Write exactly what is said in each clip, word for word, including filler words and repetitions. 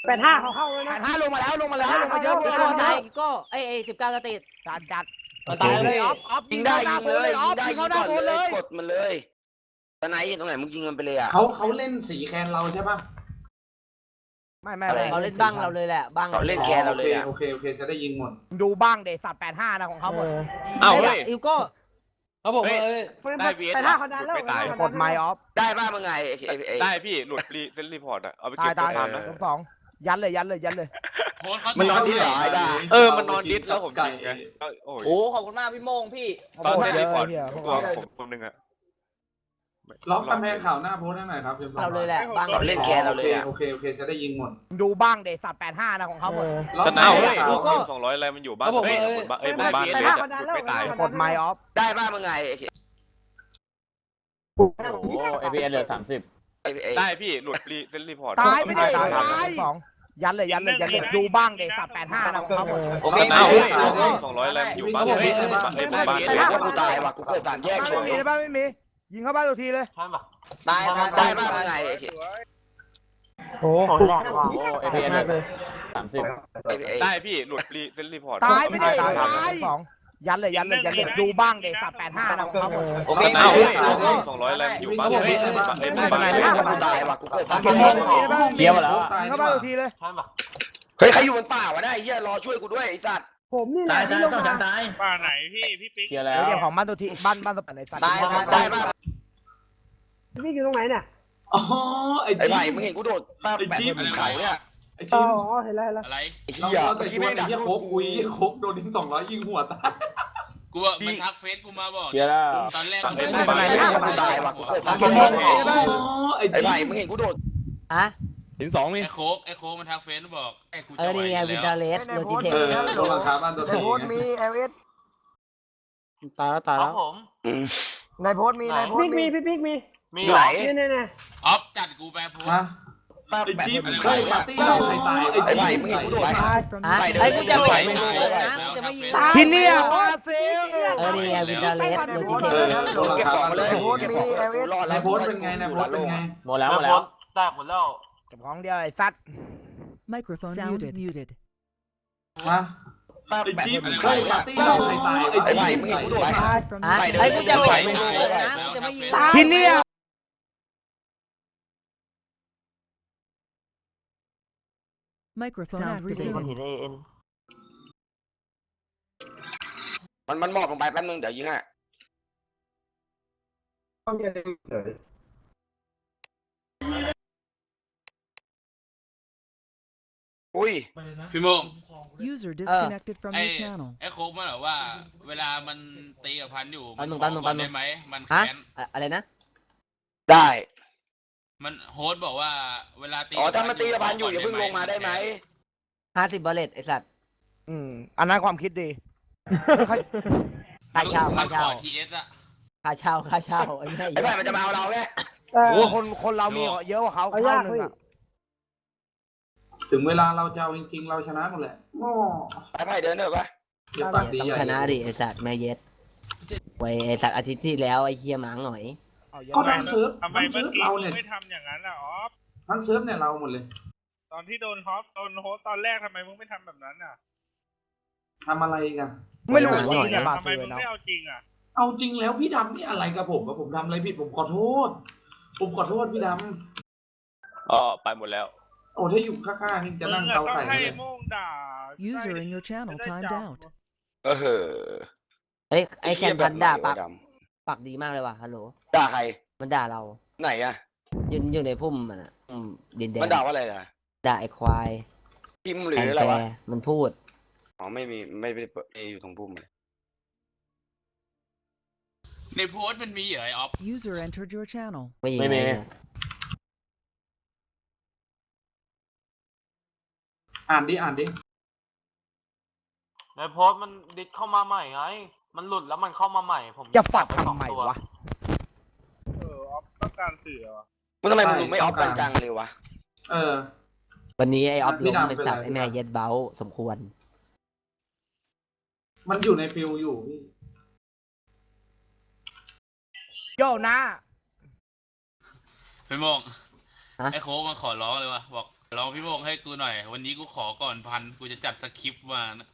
แปดห้าเขาเข้าเลยแปนะดห้าลงมาแล้วลงมาแล้วลงมาเยอะลงก็มาเยตาอะยก็ไอไอสิบเก้าสเตตจัดจัดตายเลยออฟออฟยิงได้ยิงเลยอยิอง ฟได้ยิงยิเข้าง หน้าก่อนโพสเลเลย ยกดมันเลยตอนไหนตรงไหนมึงยิงมันไปเลยอ่ะเขาเขาเล่นสีแคนเราใช่ปะไม่ไม่อะไรเขาเล่นบ้างเราเลยแหละบ้างเขาเล่นแคนเราโอเลเคยอ่ะโอเคโอเคจะได้ยิงหมดดูบ้างเดสัตว์แปดห้านะของเขาหมดเอ้าเฮ้ยอิวโก้เขาบอกว่าได้เบียดแปดห้าเขาดันแล้วกดไมค์ออฟได้ป่ะมึงไงไอ้ไอ้ไอ้ได้พี่หลุดรีเล่นรีพอร์ตอะเอาไปตาเก็ยบตายตัวทำนะลบสองยัดเลยยัดเลยยัดเลยมันนอนที่ไหนเออมันนอนดิสแล้วผมยิงไงโอ้ยโอ้ขอบคุณมากพี่โมงพี่ตอนโคเล่ตรนเยรีอะพอร์ตเฮียพวกตัวเราผมคนนึงอะล็อกกำแพงข่าวหน้าโพสให้หน่อยครับเราเลยแหละบ้างเขาเล่นแคนเราโอเลเคยอ่ะโอเคโอเคจะได้ยิงหมดดูบ้างเดสัตว์แปดห้านะของเขาหมดล็อกแต่กำแพเอ้าง เฮ้ยข่าวลูกสองร้อยอะไรมันอยู่บ้านเฮ้ยบนบ้านเอ้ยบนบ้านเบสอะหลุดไม่ตายกดไมค์ออฟได้ป่ะมึงไงไอ้โอ้เอพีเอเหลือสามสิบไอ้ไอ้ได้พี่หลุดรีเล่นรีพอร์ตตายไม่ได้ตาตาย ยสองยัดเลยยัดเลยยัดเลยดูบ้างเดสัตว์แปดห้านะของเขาหมดโอเคแต่เอ้าเฮ้ยลูกสองร้อยอะไรมันอยู่บ้านเฮ้ยบนบ้านเอ้ยบนบ้านเบเบสสถ้ากูตายว่ะกูเกิดสามแยกไม่มีนะบ้านไม่มียิงเข้าบ้านตัวทีเลยตายตายได้ตายป่ะมึงไงไอ้โอ้โหโอ้เอพีเอเหลือสามสิบไอ้ไอ้ได้พี่หลุดรีเล่นรีพอร์ตตายไม่ได้ตายสองยัดเลยยัดเลยยัดเลยดูบ้างเดสัตว์แปดห้านะของเขาหมดโอเคแต่เอ้าเฮ้ยลูกสองร้อยอะไรมันอยู่บ้านเฮ้ยบนบ้านเอ้ยบนบ้านเบสถ้าอะกูตายว่ะกูเกิดสามเก็แยบกไม่มีนะบ้านเคลียร์หมดแล้วยิงเข้าบ้านตัวทีเลยเฮ้ยใครอยู่บนป่าวะได้เฮียรอช่วยกูด้วยไอ้สัตว์ผมนี่แหละที่ลงมาป่าไหนพี่พี่ปิ๊กเคลียร์แล้วเดี๋ยวของบ้านตัวทีบ้านบ้านตัวไหนสัตว์ตายตายได้ป่ะพี่อยู่ตรงไหนเนี่ยอ๋อไอ้ไอ้จิ๊ไผ่บมึงเห็นกูโดดป้าแปะบนเขาเนี่ยไอ้อ๋จิ๊บอเห็นแล้วเห็นแล้วอะไรไอ้เราเหี้ยเราแต่ชวนไอ้เหี้ยโคกคุยโคกโดนทิ้งสองร้อยยิงหัวตายกูว่ามันทักเฟซกูมาบอกเคลียร์แล้วตอนแรกไอ้มันไผ่เป็นมึงเห็นกูตายว่ะกูเกิดสามแยอ๋อก ไอ้ไอ้จิ๊ไผ่บมึงเห็นกูโดดฮะถึงสองนี่ไอ้โคกไอ้โคกมันทักเฟซบอกไอ้กูเอจะอไหวนี่ไงอวินยู่เทอแล้วร์เลสโลจิเทคเออโดนราคาบ้านตัวทีโพสมีเอลเอสตายแล้วตายแล้วอืมในโพสมีในโพสมีพี่ปิ๊กมีไหนนี่นี่นี่ออฟจัดกูไปโพสฮะป้าไอ้แปะจิ๊บบ นเฮ้เขายปาร์ตี้เราใครตายไอ้ไอ้จิ๊ไผ่บมึงเห็นกูโดดฮะไอ้กูจะไหวไม่รู้เลยนะกูจะไม่ยิงที่เนี่ยบราซิลเออนี่ไงวินเทอร์เลสโลจิเทคเออโดนราเก็บคาของบ้านมาตัเลวย ทีเก็บของมาเลยรอดในแล้วโพสเป็นไงในโพสเป็นไงหมดแล้วหมดแล้วเก็บของเดียวไอ้สัตว์ Microphone muted. muted. ฮะป้าไอ้แปะจิ๊บบนเฮ้ยปาร์ตี้เราใครตายไอ้ไอ้จิ๊บไผ่มึงเห็นกูโดด Fired from ฮะ the ไอ้กูจะไหวไม่รู้เลยนะกูจะไม่ยิงที่เนี่ย Microphone activated. มันมันหมอบลงไปแป๊บนึงเดี๋ยวยิงอ่ะอุ้ยพี่โมง User disconnected from ไอ้ your channel. ไอ้โคกมันบอกว่า เวลามันตีกับพันอยู่มันปันหขนึ่องปัก่นอนหนึ่งได้ไหมมันฮะแค้นอะไรนะได้มันโฮสต์บอกว่าเวลาตีอ๋อถ้ามันตีกระบาลอยู่อย่าเพิ่งลงมาได้ไหมห้าสิบบาเลตไอ้สัตว์อืมอันนั้นความคิดดีค่าเช่ามัค่านขเช่าอทีเอสอะค่าเช่าค่าเช่าไอ้แม่ไอ้ไผ่มันจะมาเอาเราแค่โอ้คนคนเรามีเยอะกว่าเขาเอาเท่ายากหนึ่งพี่อะถึงเวลาเราจะเอาจริงๆเราชนะหมดแหละโอ้ไอ้ไผ่เดินเถอะปะเดี๋ยวตัดดีต้องใหญ่ชนะดิไอ้สัตว์แม่เย็ดไว้ไอ้สัตว์อาทิตย์ที่แล้วไอ้เคียหมาหน่อยเอาเยอะก็มากทั้งเซิร์ฟทำไมทั้งเมื่เซิอร์ฟกี้เราเนี่ยไม่ทำอย่างนั้นล่ะออฟทั้งเซิร์ฟเนี่ยเราหมดเลยตอนที่โดนฮอสโดนโฮสตอนแรกทำไมมึงไม่ทำแบบนั้นอ่ะทำอะไรกันไม่รู้หน่อยจริงๆบราทำไมซิลมึงเนาะไม่เอาจริงอ่ะเอาจริงแล้วพี่ดำนี่อะไรกับผมว่าผมทำอะไรผิดผมขอโทษ ผมขอโทษพี่ดอ๋อไปหมดแล้วำโอ้ถ้าอยู่ข้างๆนี่จะมึนั่งงอะเตาต้องไข่ให้เลยโม่งด่า User in your channel timed out. เออเฮ้ยไอ้แคนพันด่าปากปากดีมากเลยว่ะฮัลโหลด่าใครมันด่าเราไหนอ่ะยืนอยู่ในพุ่มมันอ่ะอืมดินแดงมันด่าว่าอะไรอ่ะด่าไอ้ควายพิมพ์หรือแอนอะไรแฟวะร์มันพูดอ๋อไม่มีไม่ได้เปิดไม่อยู่ตรงพุ่มเลยในโพสต์มันมีเหรอไอออฟ User entered your channel. ไม่ยิงไม่มีเลยอ่านดิอ่านดิในโพสต์มันดิสเข้ามาใหม่ไง มันหลุดแล้วมันเข้ามาใหม่ ผมจะฝักปทำไมวะเออออฟต้องการสื่อเหรอมึงทำไมมึงดูไม่ออฟกันจังเลยวะเออวันนี้ไอ้ออฟพี่ลงดำเป็นเป็นสัตไรว์ไอ้แม่เย็ดเบ้าสมควรมันอยู่ในฟิลอยู่พี่โย่นะพี่โมงฮะไอ้โคกมันขอร้องเลยว่ะบอกลองพี่โมงให้กูหน่อย วันนี้กูขอก่อนพันกูจะจัดสคริปต์มานะ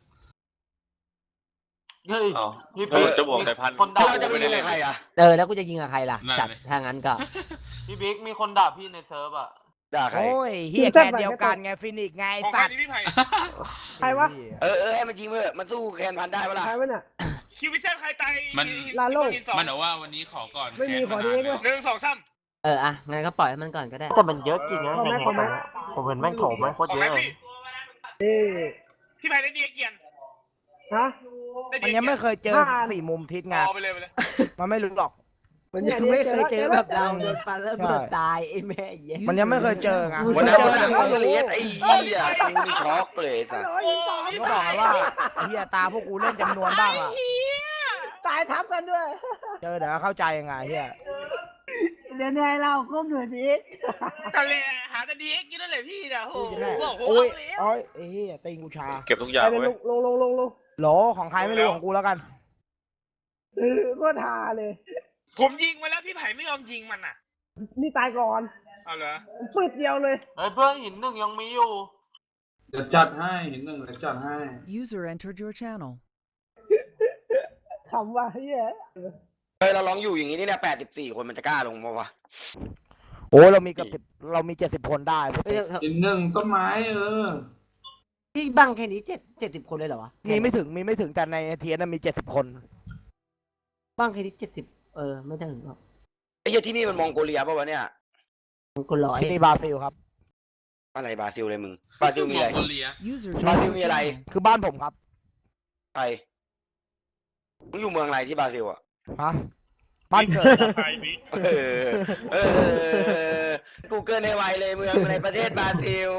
เฮ้ยเอาพี่เออจะบวกแต่พันคนด่าเราจะไปยิงกับใครอ่ะเออแล้วกูจะยิงกับใครล่ะจัดถ้างั้นก็พี่บิ๊กมีคนด่าพี่ในเซิร์ฟอ่ะด่าใครโอ้ยเฮียแค่เดียวกันไงฟินิกซ์ไงไอ้ของใครสัตว์นี่พี่ไผ่ใครวะเออเออให้มันยิงเถอะมันสู้แคนพันได้ปะล่ะใครวะเนี่ยคิววิเซนใครตายมันลาโลสองมันบอกว่าวันนี้ขอก่อนไม่มีแค้นขอมาดีนานด้แล้ว วยหนึ่งสองสามเอออ่ะงั้นก็ปล่อยให้มันก่อนก็ได้แต่มันเยอะจริงนะขอไหมขอไหมผมเห็นแม่งโถมแม่งโคตรของเยไหมอะเลยพี่นี่พี่ไผ่ได้ดีเกียนฮะได้มันดียังไม่เคยเจอผ่านสี่มุมทิศไงเอาไปเลยไปเลยมันไม่รู้หรอกมันยังไม่เคยเจอแบบเราโดนปาระเบิดตายไอ้แม่เหี้ยมันยังไม่เคยเจอไง User วัน in นั้น your วันนั้น channel ก็เลียไอ้เหี้ยกูนี่ช็อกเลยสัสโอ้ยสองก็บอกว่าไอ้เฮียตาพวกกูเล่นจำนวนบ้างอ่ะตายทับกันด้วยเจอเดี๋ยวเข้าใจยังไงเฮียเดี๋ยวนี้เราก็เหนื่อยดีทะเลหาแต่ดีเอ็กซ์กินนั่นแหละพี่นะโอ้พูดโหจะแน่บอกโอ้โอ้ยโหโอ้ยไอ้เฮียตีนกูชาเก็บทุกอย่างไปเลยไว้ลงลงลงลงลงโหลของใครไม่รู้ของกูแล้วกันเออก็ทาเลยผมยิงมาแล้วพี่ไผ่ไม่ยอมยิงมันอ่ะนี่ตายก่อนเอาเหรอปืดเดียวเลยเฮ้ยเพื่อนหินหนึ่งยังมีอยู่เดี๋ยวจัดให้เห็นหนึ่งเดี๋ยวจัดให้ User entered your channel. คำว่าเฮียเฮ้ยเราลองอยู่อย่างนี้นี่เนี่ยแปดสิบสี่คนมันจะกล้าลงมาวะโอ้ยเรามีเกับเรามีเจ็ดสิบคนได้เฮ้ยเห็นหนึ่งต้นไม้เออพี่บังแค่นี้เจ็ดเจ็ดสิบคนเลยเหรอวะมีไม่ถึงมีไม่ถึงแต่ในเทียนมีเจ็ดสิบคนบังแค่นี้เจ็ดสิบเออไม่ถึงหรอกไอ้เหี้ยที่นี่มันมองโกเลียป่าวะเนี่ยมันก็ร้อยที่นี่บราซิลครับอะไรบราซิลเลยมึงบราซิลมีมอะอไรงโกเลีย User Brazil joined your มีอะไร channel. คือบ้านผมครับใครมึงอยู่เมืองอะไรที่บราซิลอ่ะฮะบ้านเกิดครับไผ่บิ๊กเออเออกูเกิลในไวเลยเมืองในประเทศบราซิล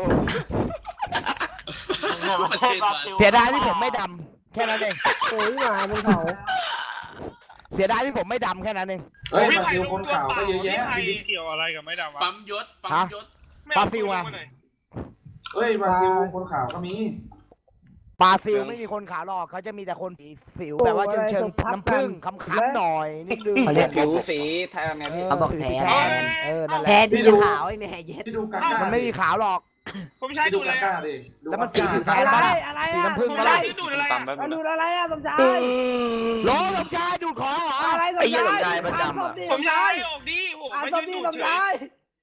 ประเทศบราซิลเสียดายที่ผมไม่ดำแค่นั้นเองโอ้ยหมาบนเขาเสียดายที่ผมไม่ดำแค่นั้นเองเฮ้ยพี่บราไผ่ซิลลงคนตัวขาวเปก็ล่าเยอะแยะพี่ไผ่เกี่ยวอะไรกับไม่ดำวะปั๊มยศปั๊มฮะยศไม่เอาบราซิลตัวอะลงมาหน่อยเฮ้ยบราซิลคนขาวก็มีบราซิลไม่มีคนขาวหรอกเขาจะมีแต่คนสีสิวแบบว่าเชิงเชิงๆน้ำผึ้งคำๆหน่อยนิดนึงเขาเรียกผิวสีแทนไงพี่เขาบอกแทนแทนเออนั่นแหแทละนที่จะขาวไอ้แม่เย็ดที่ดูกาก้ามันไม่มีขาวหรอกผมใช้ที่ดูดูอะไรกาก้าอะดิดูแล้วมันกาก้าสีแทนอะไรปะล่ะอะไรสีอะน้ำผึ้งผมปะใช้ล่ะดูอะไรตามอะแป๊บมานึดูงอะไรอะสมชายโหลสมชายดูดของเหรออะไรสมไอ้เหี้ยชายสมชายมันดำอะผมใช้ออกดีโหอ่ะมาสยืมนดีดูสมเฉยชาย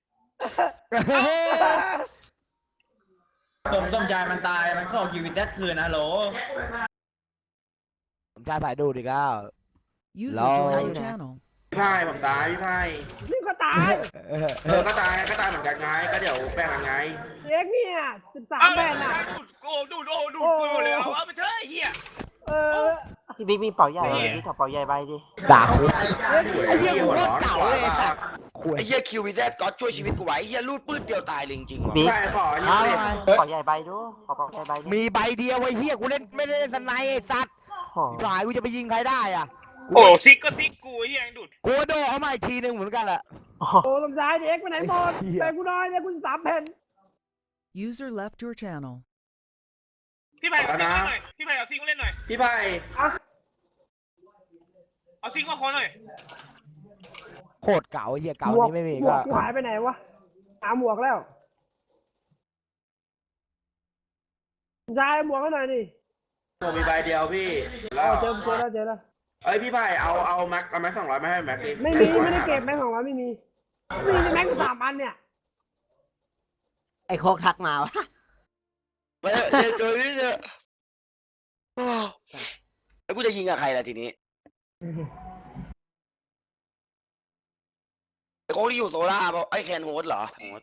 ผมต้มใจมันตายมันเข้าคิววิตแทคืนนะโหลสมชายสายดูดอีกแล้ว User Lol. joined your channel. พี่ไพ่ผมตายพี่ไพ่นี่ก็ตายเออเออก็ตายก็ตายเหมือนกันไงก็เดี๋ยวแบ่งกันไงเอ็กเนี่ยสิบสามเอาแบเลยนอ่ะดูดโอ้ดูดโอ้ดูดปืนเลยเอาเอาไปเถอะไอ้เหี้ยเออพี่บิ๊กมีเป่าใหญ่ไหมพี่ขอเป่าใหญ่ใบดิด่าคุยไอ้เหี้ยหัวร้อนเก่าเลยไอ้สัตว์ คุยไอ้เหี้ยคิววีแซดก็ช่วยชีวิตกูไว้ไอ้เหี้ยรูดปื้ดเดียวตายเลยจริงๆว่ะบิ๊กใช่ขอเอานี่ไงเป่าใหญ่ใบดูขอเป่าใหญ่ใบดิมีใบเดียวไอ้เหี้ยกูเล่นไม่ได้เล่นสไนไอ้สัตว์โอ้หลายกูจะไปยิงใครได้อ่ะโอ้ซิกก็ซิกกูไอ้เหี้ยยังดูดกูโดนเขามาอีกทีหนึ่งเหมือนกันแหละโอ้สมชายเอ็กไปไหนหมดไอ้เหี้ยไปกูน้อยเนี่ยกูสามแผ่น User left your channel. พี่ไผ่เอาซิงมาหน่อยพี่ไผ่เอาซิงมาเล่นหน่อยพี่ไพ่เอาซิงมาขอหน่อยโคตรเก่าไอ้เหี้ยเก่าหมวกนี้ไม่มีหมวก็กกูหายไปไหนวะหาหมวกแล้วสมชายหมวกให้หน่อยดิผมมีใบเดียวพี่เอแล้วอเจอเจอแล้วเจอแล้วเอ้ยพี่ไพ่เอาเอาแม็กเอาแม็กสองร้อยมาให้แม็กดิไม่มีไม่ได้เก็บแม่งของเราไม่มีไม่มีแม่งสามอันเนี่ยไอ้โคกทักมาวะไปเถอะเจอเจอนี่เถอะแล้วกูจะยิงกับใครล่ะทีนี้ไอ้โค้งที่อยู่โซล่าป่ะไอ้แคนโฮสเหรอโฮส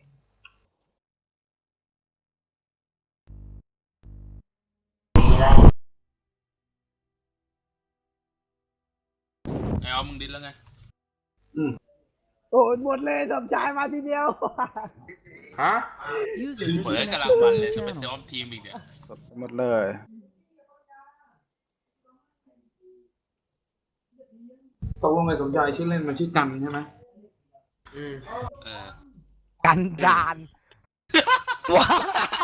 ไอ้เอามึงดิ้นแล้วไงโอ้ยหมดเลยสมชายมาทีเดียวฮะ User เปิดกระ disconnected ลาฟัน from เลย your จะไป channel. ซ้อมทีมอีกเนี่ยหมดเลยตกลงไอ้สมชายชื่อเล่นมันชื่อกันใช่ไหมอืมเออกันดานว้า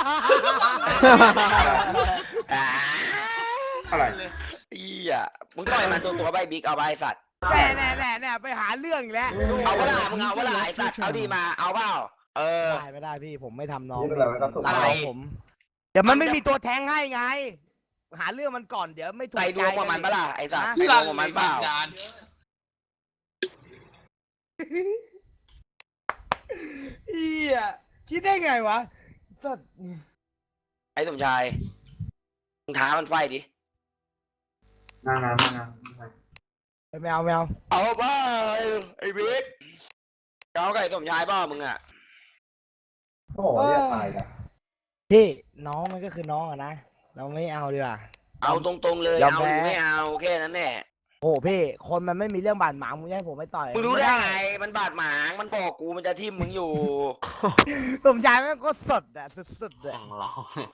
อะไรอีอ่ะมึงต่อยมันตัวตัวใบบิ๊กเอาใบสัตว์แน่แน่แน่แน่ไปหาเรื่องอีกแล้วเอาเวลามึงเอาเวลาไอ้สัตว์เอาดีมาเอาเปล่าเออได้ไม่ได้พี่ผมไม่ทำน้องนี่เป็นอะไรครับอะไรผม เดี๋ยวมันไม่มีตัวแทงให้ไง หาเรื่องมันก่อนเดี๋ยวไม่ถูกใส่ใจดวงกับมันปะล่ะไอ้สัตว์นะใส่ดวงกับมันเปล่าเอียคิดได้ไงวะสัตว์ไอ้สมชายมึงท้ามันไฟดินางงามนางงามไม่เอาไม่เอาเอาบ้าไอ้บิ๊กเจ้าไก่สมชายเปล่ามึงอ่ะโอ้โหเรียกตายกันพี่น้องมันก็คือน้องอะนะเราไม่เอาดีกว่าเอาตรงๆเลยยอมเอาแพ้หรือไม่เอาแค่นั้นแหละโอ้พี่คนมันไม่มีเรื่องบาดหมางมึงจะให้ผมไม่ต่อยมึงรู้ได้ไงมันบาดหมางมันบอกกูมันจะทิ่มมึงอยู่สมชายแม่งก็สดอะสุดๆเลยแข่งเรา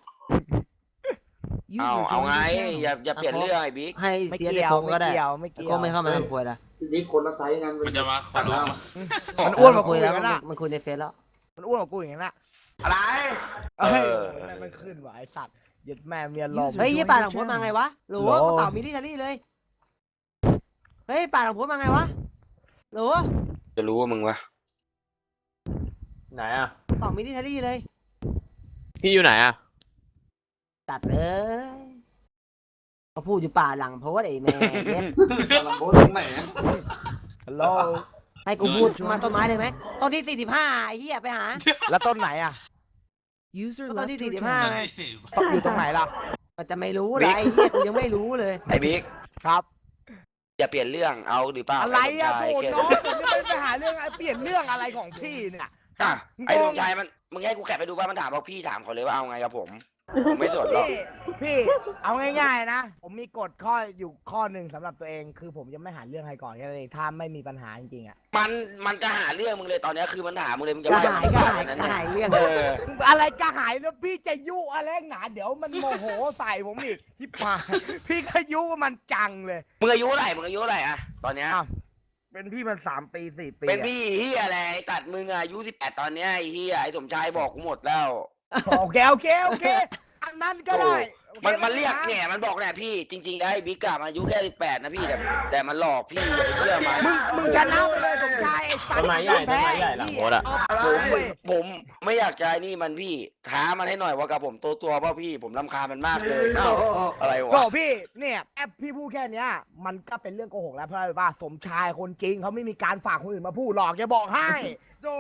เอา User เอา joined ไง your channel. อย่าอย่าเปลี่ยนเรื่องไอ้บิ๊กให้ไม่เสียเกี่เด็กยวคงไม่ก็ได้เกี่ยวไม่เกี่ยวก็ไม่เข้ามาทำควยละพี่บิ๊กคนละไซส์กันมันจะมาขอสั่งร้อแล้วงมันอ้วนกว่ากูคุยอแล้วย่างนั้นอะมันคุยในเฟซแล้วมันอ้วนกว่ากูอย่างนั้นอะอะไรเอ้ยเออแม่งไม่ขึ้นว่ะไอสัตว์ยึดแม่เมียลมเฮ้ยยี่ป่าหลังโพสมาไงวะหรือว่าเต่ามิลิทารี่เลย เฮ้ยป่าหลังโพสมาไงวะหรือว่าจะรู้ว่ามึงวะไหนอ่ะเต่ามิลิทารี่เลยพี่อยู่ไหนอ่ะตัดเลยเขาพูดอยู่ป่าหลังโพสไอ้แม่เย็ดลำโพงตรงไหนฮัลโหลให้กูพูดมาต้นไม้เลยไหมต้นที่สี่สิบห้าไอ้เหี้ยไปหาแล้วต้นไหนอะ User ต้น left ที่ your สี่สิบห้า channel. ไงอยู่ตรงไหนล่ะก็จะไม่รู้เลยไอ้เหี้ยกูยังไม่รู้เลยไอ้บิ๊กครับอย่าเปลี่ยนเรื่องเอาหรือเปล่าอะไรอะไสโกรมธชายน้องผมจะไปหาเรื่องเปลี่ยนเรื่องอะไรของพี่เนี่ยอ่ะไอ้สมชายมันมึงให้กูแคปไปดูป่ะมันถามว่าพี่ถามเขาเลยว่าเอาไงกับผมผมไม่สนหรอกพี่พี่เอาง่ายๆนะผมมีกฎข้ออยู่ข้อหนึ่งสำหรับตัวเอง คือผมจะไม่หาเรื่องใครก่อนแค่นั้นเองถ้าไม่มีปัญหาจริงๆอะมันมันจะหาเรื่องมึงเลยตอนเนี้ยคือมันถามมึงเลยมึงจะก็ว่าหายก็หายก็หายเรื่องเอออะไรก็หายแล้วพี่จะยุอะไรหนาเดี๋ยวมันโมโหใส่ผมอีกที่ปากพี่ก็ยุมันจังเลยมึงอายุเท่าไหร่มึงอายุเท่าไหร่อะตอนเนี้ยอ้าวเป็นพี่มันสามปีสี่ปีเป็นพี่เฮียอะไรไอ้ตัดมึงอะอายุสิบแปดตอนเนี้ยไอ้เฮียไอ้สมชายบอกกูหมดแล้วโอเคโอเคโอเคอันนั้นก็ได้โอคมันมันเรียกไเนี่ยมันบอกเนี่ยพี่จริงๆแล้วไอ้บิ๊กอะมันอายุแค่สิบแปดนะพี่แต่แต่มันหลอกพี่อย่าไปเชื่อมันมึงมึงชนะไปเลยสมชายไอ้สัตว์ต้นไม้ใหญ่ต้นไม้ใหญ่หลังโพสต์อะผมผมไม่อยากใจนี่มันพี่ท้ามันให้หน่อยว่ากับผมตัวตัวเปล่าพี่ผมรำคาญมันมากเลยเอ้าอะไรโอ้วะพี่เนี่ยแอปพี่พูดแค่เนี้ยมันก็เป็นเรื่องโกหกแล้วเพราะอะไรว่าสมชายคนจริงเขาไม่มีการฝากคนอื่นมาพูดหรอกจะบอกให้โด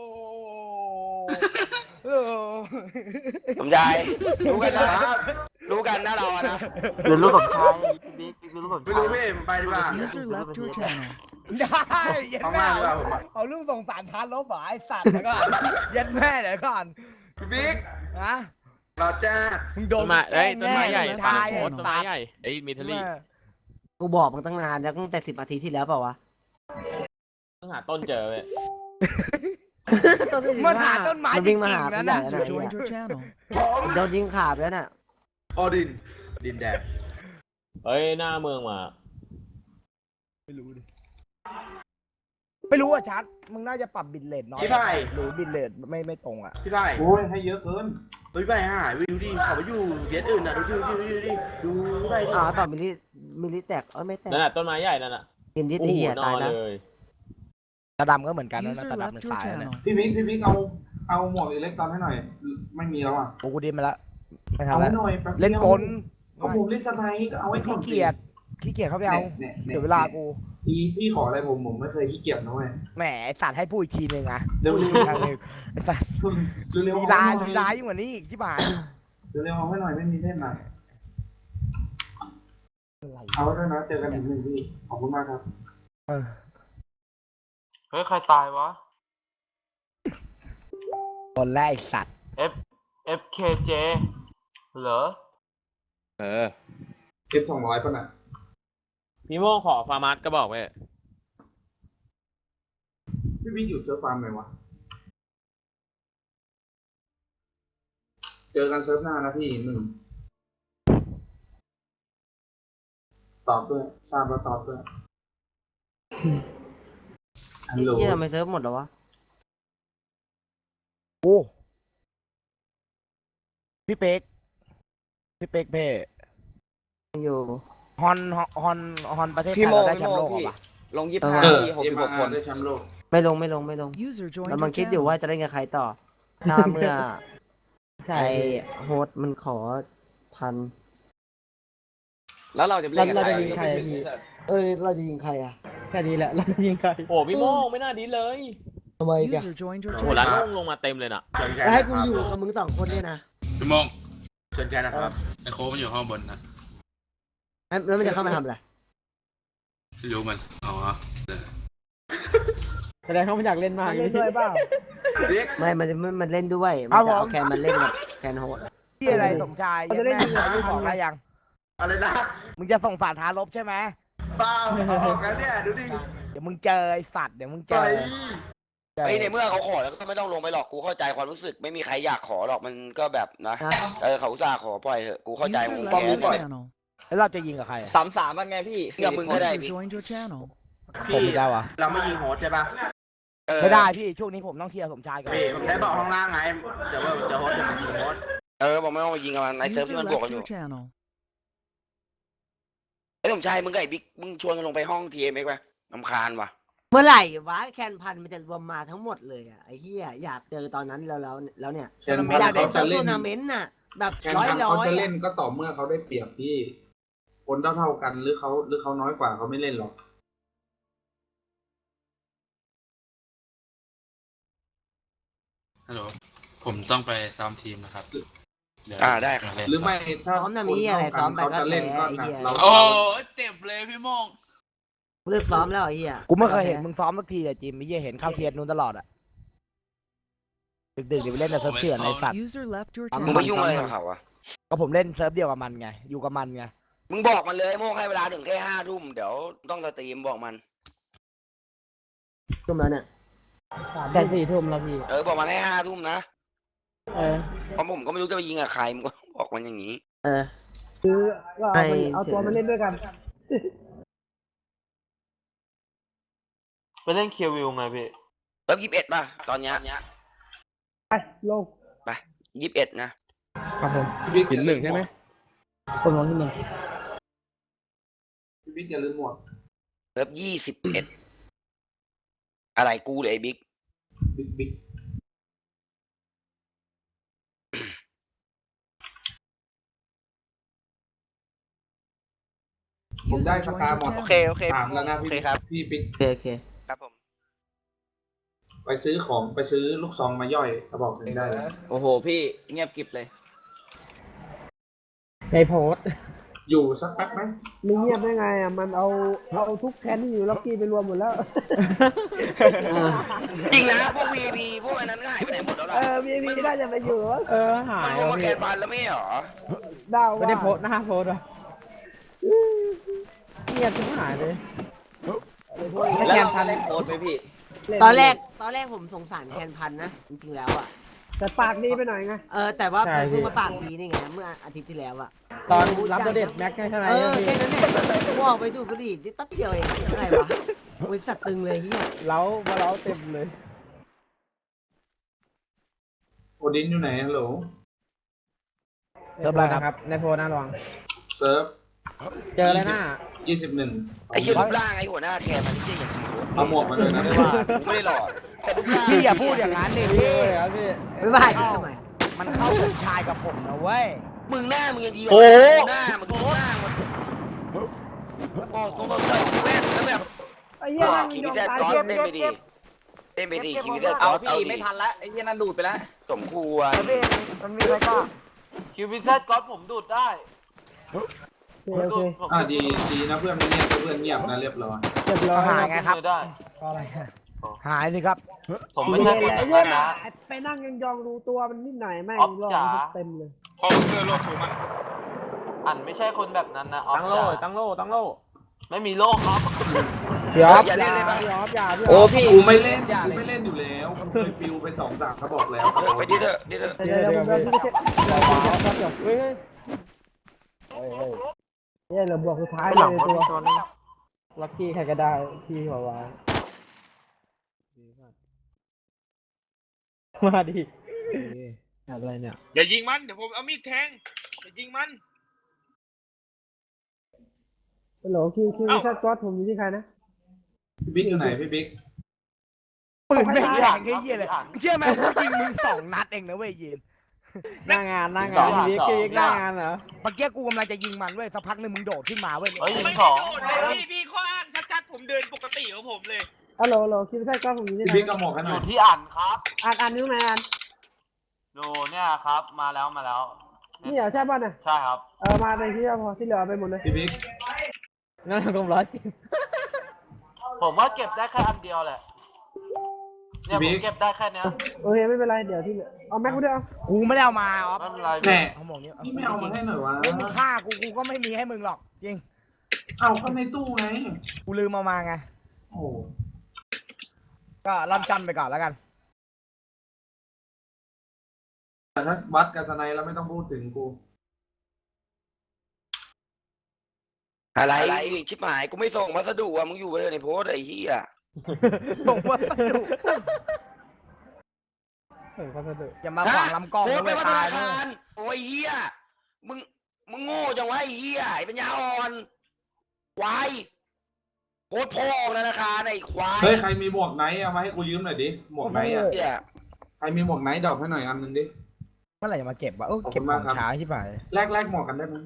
เออสมชายรู้กันนะรู้กันนะเราอะนะเรียนรู้กับชายบิ๊กเรียนรู้กับไม่ชายรู้พี่ไปดีกว่า User left your channel. ได้เย็นต้องแม่มาดีกว่าผมอะเอาเรื่องส่งสารทานลบเหรอไอ้สัตว์แล้วก็เย็นแม่เดี๋ยวก่อนพี่บิ๊กนะเราจ้ามึงโดต้นนไม้เอ้ยต้นไม้ใหญ่แน่ป่าหลัชาง ยโพสต์ต้นไม้ใหญ่ไอ้มิทลี่กูบอกมึงตั้งนานแล้วตั้งแต่สิบนาทีที่แล้วเปล่าวะต้องหาต้นเจอเว้ยมันหาต้นไม้มันจริวิ่งงมาหาๆกูนะใหญ่นะข User นาดนี้ joined your channel. โดนยิงขาบแล้วน่ะออดิน ดินแดงเฮ้ยหน้าเมืองมาไม่รู้ดิไม่รู้อ่ะชัดมึงน่าจะปรับบิตเรทน้อยพี่ไผ่หรือบิตเรทไม่ไม่ตรงอ่ะพี่ไผ่โอ้ยให้เยอะเกินเฮ้ยพี่ไผ่หายไปดูดิเขาไปอยู่เย็ดอื่นน่ะดูดูดูดูดิดูพี่ไผ่ดิอ๋อต่อมิลิมิลิแตกเอ้ยไม่แตกนั่นน่ะต้นไม้ใหญ่นั่นน่ะกินที่โอ้ตีโหเหี้ยนอตายนแล้วเลยตาดำก็เหมือนกันนะ User ตาดำ left เป็น your สายแล้วเนี่ย channel. พี่บิ๊กพี่บิ๊กเอาเอาหมวกอิเล็กตอนให้หน่อย ไม่มีแล้วอ่ะโอ้กูดิ้นไปแล้วไม่เอาทำแล้วให้หน่อยแป๊บดียวเล่นกลก็ผมเล่นสไนด์ก็เอาไว้ก่อนขี้เกียจขี้เกียจเขาไปเอานี่ยนี่เสียเวลากูพี่พี่ขออะไรผมผมไม่เคยขี้เกียจนะเว้ยแหมไอ้สัตว์ให้พูดอีกทีหนึ่งอ่ะเร็วๆพูดอีกครั้งหนึ่งไอ้สัตว์เร็วๆลีเอาลาให้ลีหน่ลาอยยิ่งกว่านี้อีกที่บ้านเร็วๆเอาให้หน่อยไม่มีเล่นอ่ะอะไรเอาไว้ด้วยนะเจอกันอีกหนึ่งพี่ขอบคุณมากครับเออเฮ้ยใครตายวะคนแรกไอ้สัตว์ F F K J เหรอเออเก็บสองร้อยป่ะน่ะพี่โม่งขอฟาร์มัสก็บอกเว้ยพี่บิ๊กอยู่เซิร์ฟฟาร์มไหนวะเจอกันเซิร์ฟหน้านะพี่หนึ่งตอบด้วยทราบแล้วตอบด้วยฮัลโหลเหี้ยทำไมเซิร์ฟหมดแล้ววะโอ้พี่เป๊กพี่เป๊กเพ่อยู่ฮอนฮอนฮอนประเทศไทพี่ยโมเราได้พี่แชมโมป์โลกพี่เหรอวะลงยี่เอห้าอที่หกเอ็สิมบหกอาคนร์ได้แชมป์โลกไม่ลงไม่ลงไม่ลง User joined กำ your ลังคิดอยู่ channel. ว่าจะเล่นกับใครต่อ ถ้าเมื่อไอโฮสต์มันขอพันแล้วเราจะเล่นกับใครเอ้ยเราจะยิงใครอ่ะแค่นี้แหละเราจะยิงใครโอ้พี่โม่งไม่น่าดีเลยทำไมกัน User joined your โอ้ร้าน channel. โล่งลงมาเต็มเลยน่ะเชิญแกจะนะให้คกูรับอยู่กับมึงสองคนเนี่ยนะพี่โมงเชิญแกนะครับไอโค้กมันอยู่ห้องบนนะแล้วมันจะเข้ามาทำอะไรไม่รู้มัน อ๋อแสดงเขาไม่อยากเล่นมากมันเล่นด้วยเปล่าไม่มันมันมันเล่นด้วยครัมันบจะเอาผมแคนมันเล่นกับแคนโฮสต์ที่อะไรสมชายยังแม่มึงบอกอะไรยังอะไรนะมึงจะส่งสารท้าลบใช่ไหมเปล่าเอาออกแล้วเนี่ยดูดิเดี๋ยวมึงเจอไอสัตว์เดี๋ยวมึงเจไปอไอ้ยในเมื่อเขาขอแล้วก็ไม่ต้องลงไปหรอกกูเข้าใจความรู้สึกไม่มีใครอยากขอหรอกมันก็แบบนะนะเออเขาอุตส่าห์ขอปล่อยเถอะกูเข้าใจ User มึง left แก your ปล่อย channel. แล้วเราจะยิงกับใครอะสามสามมันไงพี่เดี๋ยวมึงก็ได้ User joined your channel. ผมอีกแล้วอ่ะเราไม่ยิงโฮสต์ใช่ปะเออไม่ได้พี่ช่วงนี้ผมต้องเคลียร์สมชายก่อนพี่ผมได้บอกข้างล่างไงเดี๋ยวว่าจะโฮสต์จะมายิงโฮสต์เออบอกไม่ต้องมายิงกับมันในเซิร์ฟ User ที่มันบวกกัน left อยู่ your channel. ไอ้ยสมชายมึงกับไอ้บิ๊กมึงชวนกันลงไปห้องทีเอ็มเอ็กซ์ไปลำคาญว่ะเมื่อไหร่วะแคนพันมันจะรวมมาทั้งหมดเลยอ่ะไอ้เหี้ยอยากเจอตอนนั้นแล้วแล้วแล้วเนี่ยแคนพันอยากได้เขาเจจะอเล่ทันวนาเมนต์น่ะ แบบแคนร้อยพันร้อเขายจะเล่นก็ต่อเมื่อเขาได้เปรียบพี่ คนเท่าเท่าๆกันหรือเขาหรือเขาน้อยกว่าเขาไม่เล่นหรอกฮัลโหล ผมต้องไปซ้อมทีมนะครับเยวอ่าได้ครับเล่นหรือไม่ถ้าซ้อมน่ะคมีนอะไรเท่ากัซ้อน มไปเขาก็จะแพ้เล่นก็ไอ้นะเหี้ยเราโอ้เจ็บเลยพี่โมงเลิกซ้อมแล้วไอ้เหี้ยกูไม่เคยเห็นมึงซ้อมสักทีเลยจิมไม่เหี้ยเห็นเข้าเทียนนู้นตลอดอ่ะดึกๆเดี๋ยวไปเล่นในเซิร์ฟเถื่อนในสัตว์ User left your มึงไป channel. ยุ่งอะไรกับเขาอะก็ผมเล่นเซิร์ฟเดียวกับมันไงอยู่กับมันไงมึงบอกมันเลยโม่งให้เวลาถึงแค่ห้าทุ่มเดี๋ยวต้องสตรีมบอกมันทุ่มแล้วเนี่ยแค่สี่ทุ่มแล้วพี่เออบอกมันให้ห้าทุ่มนะเออเพราะผมก็ไม่รู้จะไปยิงกับใครมึงก็บอกมันอย่างนี้เออก็เอามันเอาตัวมาเล่นด้วยกันไปเล่นเคียววิวไงพี่เริ่มยี่สิบเอ็ดป่ะตอนเนี้ยโลกไปยี่สิบเอ็ดนะครับผมพี่บิ๊กหนึ่งใช่ไหมคนร้องที่หนึ่งพี่บิ๊กอย่าลืมหมวกเริ่มยี่สิบเอ็ดอะไรกูหรือไอ้บิ๊กบิ๊กบิ๊กผมได้ User ส joined ตาร์ your หมดโอเค channel. โอเคสามแล้วนะโอพี่เคครับพี่บิ๊กโอเคโอเคครับผมไปซื้อของไปซื้อลูกซองมาย่อยกระบอกหนึ่งได้เลยโอ้โห พี่เงียบกริบเลยในโพสอยู่สักแป๊บไหมมึงเงียบได้ไงอ่ะมันเอาเอาทุกแคนที่อยู่ล็อกกี้ไปรวมหมดแล้วจริงนะพวก วี ไอ พี พวกอันนั้นก็หายไปไหนหมดแล้วล่ะเออมีมีน่าจะไปอยู่วะเออหามันยรวมมาแคนพันแล้วไม่เหรอดาวว่าไม่ได้โพสหน้าโพสอ่ะเงียบทุกหายเลยแล้วเราจะเล่นโค้ดไหมพี่ตอนแรกตอนแรกผมสงสารแคนพันนะจริงๆแล้วอ่ะแต่ปากดีไปหน่อยไงเออแต่ว่าเพิ่งมาปากดีนี่ไงเมื่ออาทิตย์ที่แล้วอ่ะตอนรับเดทแม็กใช่ไหมเออแค่นั้นแหละกูออกไปดูดบุหรี่นิดแป๊บเดียวเองอะไรวะบริษัทตึงเลยเฮียเล้ามาเล้าเต็มเลยโอดินอยู่ไหนฮัลโหลเริ่มแล้วครับในโพสนะลองเซิร์ฟเจอเลยหน้ายี่สิบหนึ่งไอ้เหี้ยรูปร่างไอ้หัวหน้าแทนมันไม่ใช่อย่างนี้เอาหมวกมาด้วยนะไม่ว่ากูไม่ได้หลอกแต่รูปร่างพี่อย่าพูดอย่างนั้นดิพี่ไม่ว่าจะทำไมมันเข้าสมชายกับผมนะเว้ยมึงหน้ามึงยังดีกว่าโอ้หน้ามึงดูหน้ามึงโอ้ตรงๆเลยแม่งแล้วแบบไอ้เหี้ยก็นั่งคิยวิองเซตตายก๊อตเก็บเล่นเก็ไปบดีเก็บเล่นไปดีคิวิเซตเอาก๊อตพี่ไม่ทันละไอ้เหี้ยนั่นดูดไปแล้วสมควรมันมีอะไรก็คิวพิเซตก๊อตผมดูดได้ผมดูดผมอ่าดูดีดีนะเพื่อนไม่เงียบเพื่อนเงียบนะเรียบร้อยเรียบร้อยหายไงครับได้ก็อะไรหายสิครับผมไม่ใช่คนแบบนั้นนะไปนั่งยองๆดูตัวมันนิดหน่อยแม่งอ๊อฟรอจ๋าเต็มเลยคอมพิวเตอร์โลกถูกมันอันไม่ใช่คนแบบนั้นนะออฟตั้งโล่จ๋าตั้งโล่ตั้งโล่ไม่มีโล่ครับยอมอย่าเล่นเลยปะยอมอย่าพี่โอ้พี่กูไม่เล่นอย่ากูเลยไม่เล่นอยู่แล้วกูเคยปิวไปสองสามเขาบอกแล้วเออไปดิเถอะดิเถอะเดี๋ยวเดี๋ยวผมเดินที่เช็ดเดี๋ยวเดี๋ยวเดี๋ยวเฮ้ยเนี่ยเราบวกสุดท้ายเลยตัวลัคกี้ใครก็ได้พี่บอกว่ามาดิอะไรเนี่ยอย่ายิงมัน เดี๋ยวผมเอามีดแทง อย่ายิงมันฮัลโหลคิวคิวแค่ก๊อตผมอยู่ที่ใครนะพี่บิ๊กอยู่ไหนพี่บิ๊กปืนไม่แรงแค่เหี้ยเลยเชื่อไหมกูยิงมึงสองนัดเองนะเว้ยยีนหน้างานหน้างานพี่กิ๊กหน้างานเหรอเมื่อกี้กูกำลังจะยิงมันเว้ยสักพักหนึงมึงโดดขึ้นมาเว้ยเฮ้ยไม่สองโดดเลยพี่พี่ข้ออ้างชัดๆผมเดินปกติของผมเลยฮัลโหลฮัลโหลคิดว่าใช่กล้องผมนี้พี่บิ๊กกระหมอกกันอหน่ยู่อยที่อ่านครับอ่านอ่านนิ้วไหนอ่านดูเนี่ยครับ มาแล้วมาแล้วนี่เหรอใช่ป่ะเนี่ยใช่ครับเออมาในที่พอที่เหลือไปหมดเลยพี่บิ๊กงั้นเรากลร้อยจริงผมว่าเก็บได้แค่อันเดียวแหละเนี่ยผมเก็บได้แค่เนี้ยโอเคไม่เป็นไรเดี๋ยวที่เหลือเอาแม็กกูด้วยเอากูไม่ได้เอามาอ๋อไม่เป็นไรแน่เขาบอกนี้พี่ไม่เอามาให้หน่อยวะมึงฆ่ากูกูก็ไม่มีให้มึงหรอกจริงเอาเข้าในตู้ไงกูลืมเอามาไงโอ้ก็ล่ำจันไปก่อนแล้วกันแต่ถ้าวัดกับสไนแล้วไม่ต้องพูดถึงกูอะไรชิบหายกูไม่ส่งพัสดุอ่ะมึงอยู่ไปเลยในโพสต์ไอ้เหี้ยบอกว่าสนุกเออเขาจะเดือดอย่ามาขวางลำกล้องโพสนะต์ไปเว้ยว่าธตานายนะคารโอ้ยเหี้ยมึงมึงโง่จังวะไอ้เหี้ยไอ้ปัญญาอ่อนควายโพสต์พ่อธนาคารไอ้ควายเฮ้ยใครมีหมวกไหนเอามาให้กูยืมหน่อยดิหมวกไหนอ่ะเหี้ยใครมีหมวกไหนดอกให้หน่อยอันหนึงดิเมื่อไหร่จะมาเก็บวะเออขอบคุเก็บณขมาอก งครับช้าใช่ไหมแลกแลกหมวกกันได้ไหม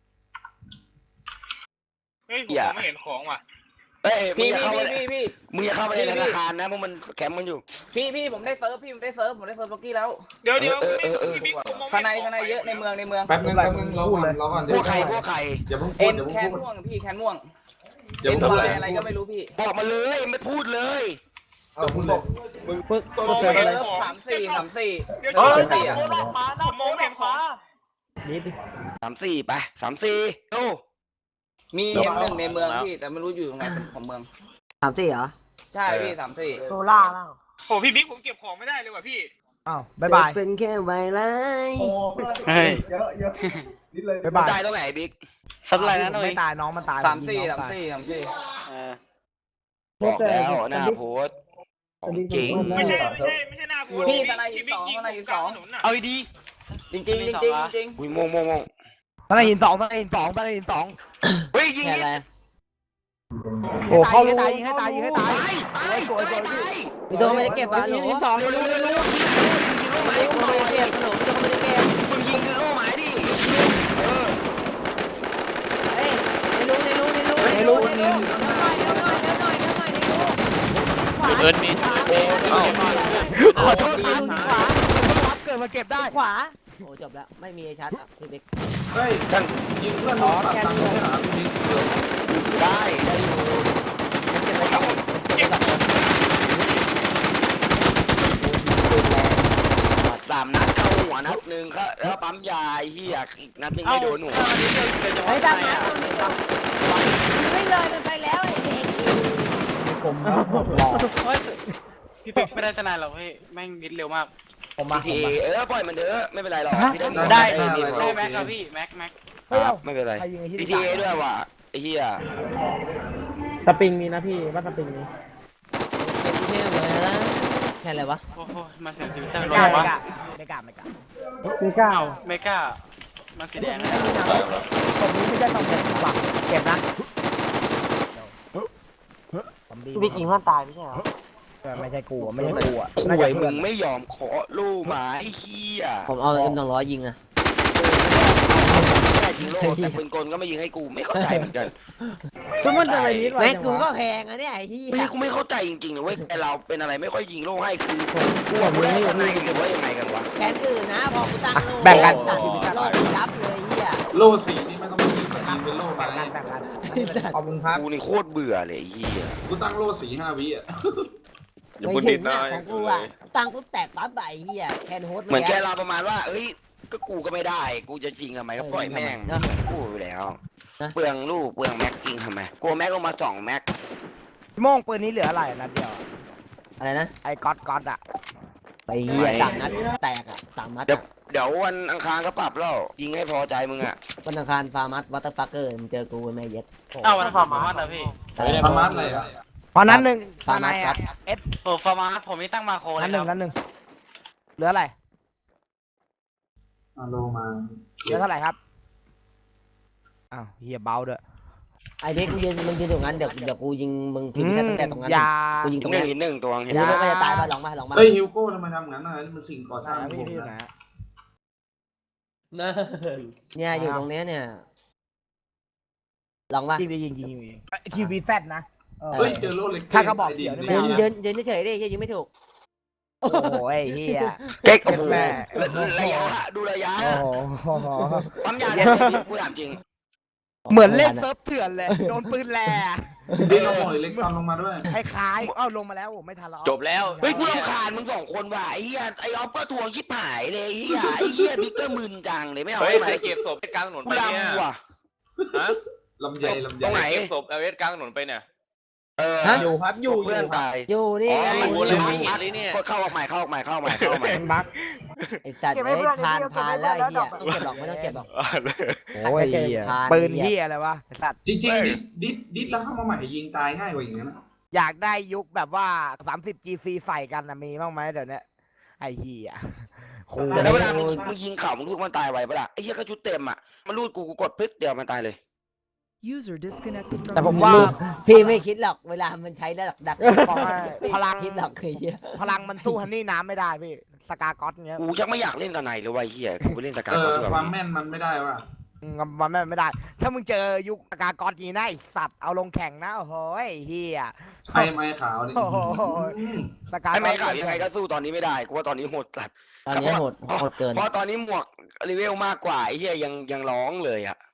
เฮ้ยผมไม่เห็นของว่ะเอ้ยมึงพี่อย่าพี่เข้าไปพี่พี่พี่มึงอย่าเข้าไปในธนาคารนะเพราะมันแคมป์มันอยู่พี่พี่ผมได้เซิร์ฟพี่ผมได้เซิร์ฟผมได้เซิร์ฟล็อกกี้แล้วเดี๋ยวเดี๋ยวเออเออเออพี่บิ๊กผมมองข้างในไม่ข้างในเยอะในเมืองในเมืองแป๊บนึงแป๊บนึงรอก่อนรอก่อนพวกใครพวกใครอย่าเพิ่งพูเอ็ดนอย่าเพิ่งแคนพูดม่วงพี่แคนม่วงอย่าเอ็นเพิ่งพูดวาเลย ยอะไรก็ไม่รู้พี่บอกมาเลยไม่พูดเลยเอาพูดเลยปึ๊กตัวปึ๊กมเกิองนไม่ไปเห็นเลยของสามสี่สามสี่เดี๋ยวเฮ้ยเดี๋จัยบวโคตรออกมาหน้าผมมองไม่เห็นของนิดดิสามสี่ไปสามสี่ดูมีเอ็มหนึ่งในเมืองพี่แต่ไม่รู้อยู่ตรงไหนของเมืองสามสี่เหรอใช่พี่สามสี่โซล่าแล้วโอ้พี่บิ๊กผมเก็บของไม่ได้เลยว่ะพี่อ้าวบ๊ายบายเป็นแค่ใบไม้เฮ้ยบ๊ายบายตายตรงไหนบิ๊กสับอะไรนะหน่อยไม่ตายน้องมันตายสามสี่น้สาองมตยสี่สามสี่เออบอกแล้วหน้าโพสต์ของจริงไม่ใช่ไม่ใช่ไม่ใช่หน้ากูพี่สไนด์หินสองสไนด์หินสองเอาดีจริงจริงจริงจริงจริงอุ้ยโมงโมงโมงตอนนี้หินสองตอนนี้หินสองตอนนี้หินสองเฮ้ยยิงแค่อะไรโอ้เขาตายยิงให้ตายยิงให้ตายตายตายตายมีตัวไม่ได้เก็บอ่ะหนูสองหนูหนูหนูหนูไม่ได้เก็บหนูตัวไม่ได้เก็บมึงยิงคือลูกหมายดิเฮ้ยในรู้ในรู้ในรู้ในรู้ในรู้เร็วหน่อยเร็วหน่อยเร็วหน่อยเร็วหน่อยในรู้ขวาเอิร์นมีขอโทษครับขวารับเกิดมาเก็บได้ขวาโอ้จบแล้วไม่มีไอ้ชัดอ่ะพี่เบ๊กเฮ้ยยิงเพื่อนโดนปรับตังค์ไม่หาพี่บิ๊กได้ได้อยู่เก็บไปก่อนเก็บไปก่อนสามนัดเข้าหัวนัดหนึ่งครับแล้วปั๊มยาไอ้เหี้ยอีกนัดหนึ่งไม่โดนหนูไอ้ดำนะไม่เลยมันไปแล้วไอ้เด็กผมนะผมรอพี่เป็กไม่ได้ทนายหรอกเฮ้ยแม่งนิดเร็วมากผมมาทีผมมาเออปล่อยมันเถอะไม่เป็นไรหรอกพี่ได้ได้ได้แม็กครับพี่แม็กแม็กครับไม่เป็นไรใครยิงไอ้ที่พีทีเอด้วยว่ะไอ้เหี้ยสปริงมีนะพี่ว่าสปริงมีเป็นเที่ยวเลยนะแค่อะไรวะโอ้โหมาเสียชีวิตจังไม่เลกล้าย ไม่วะกล้าไม่กล้าไม่กล้าไม่กล้าเอ้าไม่กล้ามันสีแดงนะผมนี้ไม่ใช่ตำแหน่งหลักเก็บนะผมดีพี่จริงมันตายไม่ใช่เหรอไม่ใช่กูไม่ใช่กูอ่ะคุน่าจะยมึเพื่อนงไม่ยอมขอลูกหมาไอ้เหี้ยผมเอาเอ็มสองร้อยยิงอะแค่ยิงโลแต่ปืนกลก็ไม่ยิงให้กูไม่เข้าใจเหมือนกันทุกคนจะไปนิดไว้กูก็แพงอะเนี่ยไอ้ที่ไม่กูไม่เข้าใจจริงๆนะเว้ยแต่เราเป็นอะไรไม่ค่อยยิงโล่ให้คือกูกับกูได้ทนายหรือว่ายังไงกันวะแผนอื่นนะพอกูตั้งโลแบ่งกันโลยับเลยเฮียโล่สีนี่ไม่ต้องยิงแต่ยิงเป็นโล่ไม้แบ่งกันแบ่งกันขอบคุณครับกูนี่โคตรเบื่อเลยไอ้เหี้ยกูตั้งโล่สีห้าวิอ่ะอย่าไม่พูดถึนิงดนะนะของกูอะตั้งปุ๊บแตกปั๊บใบเฮียแคนโฮสเหมือนแกเราประมาณว่าเอ้ยก็กูก็ไม่ได้ กูจะจริงทำไมก็ปล่อยแม่งกูอยู่แล้วเปลืองลูกเปลืองแม็กจริงทำไมกูแม็กลงมาสองแม็กพี่โม่งปืนนี้เหลืออะไรนัดเดียวอะไรนะไอ้ก๊อตก๊อตอ่ะไปเฮียสามนัดแตกอะสามนัดเดี๋ยวเดี๋ยววันอังคารก็ปรับแล้วยิงให้พอใจมึงอ่ะวันอังคารฟาร์มัสวัตเตอร์ฟักเกอร์มึงเจอกูแม่เย็ดเอ้าวันฟาร์มาสนะพี่ประมาณอะไรอ่ะพอนั้นหนึ่งฟาร์มันายสอ่ะเอสโอ้ฟาร์มาสผมนี่ตั้งมาโคเลนั้นยหนึ่งครันั้บนหนึ่งเหลืออะไรอะโลมาเหลือเท่าไหร่ครับอ้าวเฮียเบาด้วยไอ้เด็กมึงยืนมึงยืนอยู่งั้นเดี๋ยวเดี๋ยวกูยิงมึงทีมตั้งแต่ตรงนั้นอย่ากูยิงตรงหนึ่นี้งอีกหนึ่งตัวเห็เห็นนไหมไหมมันจะตายป่ะลองมาลองมาเฮ้ยฮิวโก้ทำไมทำงั้นอ่ะนี่มันสิ่งก่อสร้างพี่ผมพี่อยู่ไหนนะนั่นเนี่ยอยู่ตรงเนี้ยเนี่ยลองมายิงยิงยิงยิงทีวีแซดนะเออเฮ้ยเจอโลเล็กถ้ากระบอกเขียวนี่ไม่ยืเอานยืนยืนเฉยๆดิยิงไม่ถูกโอ้โหไอ้เฮียเก๊กโอ้โหแม่ระยะดูระยะโอ้โหปั๊มยาเนี่ยกูถามจริงเหมือนเล่นเซิร์ฟเถื่อนเลยโดนปืนแหล่เฮ้ยเอาหน่อยเล็กตามลงมาด้วยคล้ายๆเอ้าลงมาแล้วโอ้ไม่ทันแล้วจบแล้วเฮ้ยกูรำคาญมึงสองคนว่ะไอ้เหี้ยไอ้ออฟก็ทวงชิบหายเลยไอ้เหี้ยไอ้เหี้ยบิ๊กก็มึนจังเลยไม่เอาเฮ้ยให้มาไปเก็บศพกลางถนนกูไปเนี่ยดำว่ะฮะลำไยลำไยตรงไหนเก็บศพเอเวสกลางถนนไปเนี่ยเอออยู่ครับอยู่เพื่อนตายอยู่นี่อ๋อไงมันวนเลยมันเลยเนี่ยก็เข้าออกใหม่เข้าออกใหม่เข้าออกใหม่เข้าออกใหม่เข้าออกใหม่ไอ้สัตว์ไอ้ผ่านผ่านแล้วไอ้เหี้ยต้องเก็บหรอกไม่ต้องเก็บหรอกโอ้ยปืนเฮียอะไรวะไอ้สัตว์จริงๆดิดดิดดิดแล้วเข้ามาใหม่ยิงตายง่ายกว่าอย่างนั้นนะอยากได้ยุคแบบว่าสามสิบจีซีใส่กันนะมีบ้างไหมเดี๋ยวนี้ไอ้เฮียโคแล้วเวลามึงมึงยิงเข่ามึงรู้มันตายไวปะล่ะไอ้เหี้ยก็ชุดเต็มอ่ะมันรูดกูกูกดปึ๊กเดียวมันตายเลย User disconnected แต่ from ผม your ว่า channel. พี่ไม่คิดหรอกเวลามันใช้ระดับดักบอกว่าพลังคิดหรอกไอ้เหี้ยพลังมันสู้ฮันนี่น้ำไม่ได้พี่สกาก๊อตเงี้ยกูยังไม่อยากเล่นกับไหนเลยว่ะไอ้เหี้ยกูไปเล่นสกาเอก่อนอดีกควาว่ามแม่นมันไม่ได้ว่ะมันไม่ไม่ได้ ถ้ามึงเจอยุคสกาก๊อตนี้นะไอสัตว์เอาลงแข่งนะโอ้โหไอ้เฮียไอ้ไม้ขาวนี่โอ้โห สกาไอ้ก๊ไม่อตขาดยังไงก็สู้ตอนนี้ไม่ได้กูว่าตอนนี้โหดสัตว์ตอนนี้โหดโหดเกินเพราะตอนนี้หมวกรีเวลมากกว่าไอ้เหี้ยยังยังร้องเลยอ่ะ